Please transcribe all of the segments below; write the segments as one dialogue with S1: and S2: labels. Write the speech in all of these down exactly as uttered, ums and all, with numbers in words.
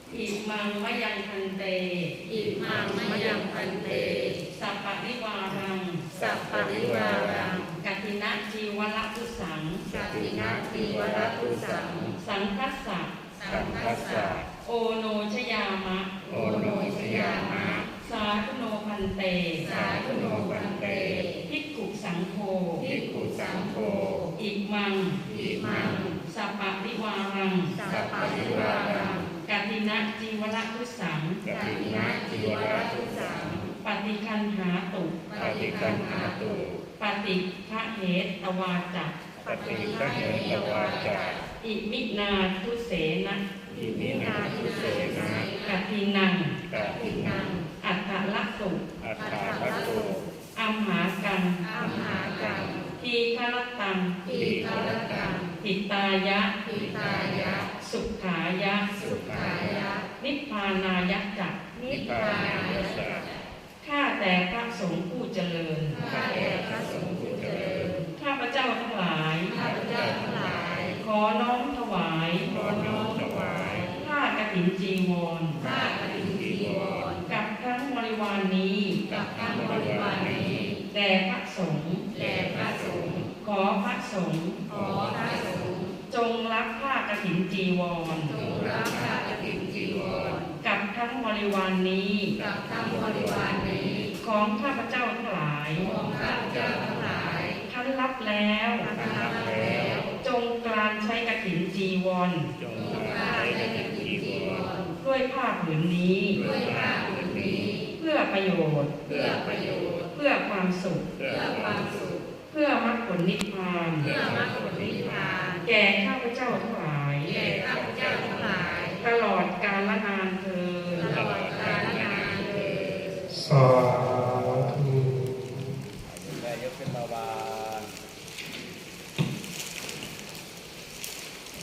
S1: อิมังมะยังพันเต
S2: อิมังมะยังพันเต
S1: สัพปะริวารัง
S2: สัพพะริวารัง
S1: กัตถินะจีวรตุสัง
S2: กัตถินะจีวรตุสัง
S1: สังคัสสะ
S2: สังคัสสะ
S1: โอโนชยามะ
S2: โอโนชยามะ
S1: สาธุโนพันเต
S2: สาธุโนพันเต
S1: ภิกขุสังโฆ
S2: ภิกขุสังโฆ
S1: อิมัง
S2: อิมัง
S1: สัพปะริวารัง
S2: สัพพะริวารัง
S1: กัตถินะจีวรตุสัง
S2: กัตถินะจีวรตุสัง
S1: ปฏิคันหาตุ
S2: ปฏิคันหาตุ
S1: ปฏิฆะเหตวาจัก
S2: ปฏิฆะเหตวาจัก
S1: อิมินาทุเสนะ
S2: อิมินาทุเสนะ
S1: กัตถินัง
S2: กัตถินัง
S1: อัฏฐลักษุ
S2: อัฏฐลักษุ
S1: อัมหากัง
S2: อัมหากัง
S1: ทีฆรตัง
S2: ทีฆรตัง
S1: หิตายะ
S2: หิตายะ
S1: สุขายะ
S2: สุขายะ
S1: นิพพานายะจัก
S2: นิพพานายะจัก
S1: ข้าแต่พระสงฆ์ผู้เจริญ
S2: ข้าแต่พระสงฆ์ผู้เจริญ
S1: ข้าพเจ้าทั้งหลาย
S2: ข้าพเจ้าทั้งหลาย
S1: ขอน้อมถวาย
S2: ขอน้อมถวาย
S1: ผ้ากฐินจีวร
S2: ผ้ากฐินจีวร
S1: กับทั้งบริวารนี้
S2: กับทั้งบริวารนี้
S1: แด่พระสงฆ์
S2: แด่พระสงฆ์
S1: ขอพระสงฆ์
S2: ขอพระสงฆ์
S1: จงรับผ้ากฐินจีวร
S2: จงรับผ้ากฐินจีวร
S1: กับทั้งบริวารนี้
S2: กับทั้งบริวารนี้
S1: ของข้าพเจ้าทั้งหลาย
S2: ของข้าพเจ้าทั้งหลาย
S1: ท่านรับแล้ว
S2: ท่านรับแล้ว
S1: จงกรานใช้กฐินจีวร
S2: จงกรานใช้กฐินจีวร
S1: ด้วยผ้าผืนนี้
S2: ด้วยผ้าผืนนี้
S1: เพื่อประโยชน์
S2: เพื่อประโยชน์
S1: เพื่อความสุข
S2: เพื่อความสุข
S1: เพื่อมรรคผลนิพพาน
S2: เพื่อมรรคผลนิพพาน
S1: แก่ข้าพเจ้าทั้งหลาย
S2: แก่ข้าพเจ้าทั้งหลาย
S1: ตลอดกาลนานเทอญ
S2: ตลอดกาลนานเทอญ
S3: สาธุ
S4: ได้ยกขึ้นมาวาง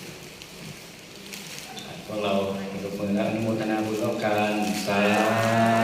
S4: พวกเรายกมือและอนุโมทนาบุญร่วมกันสาธุ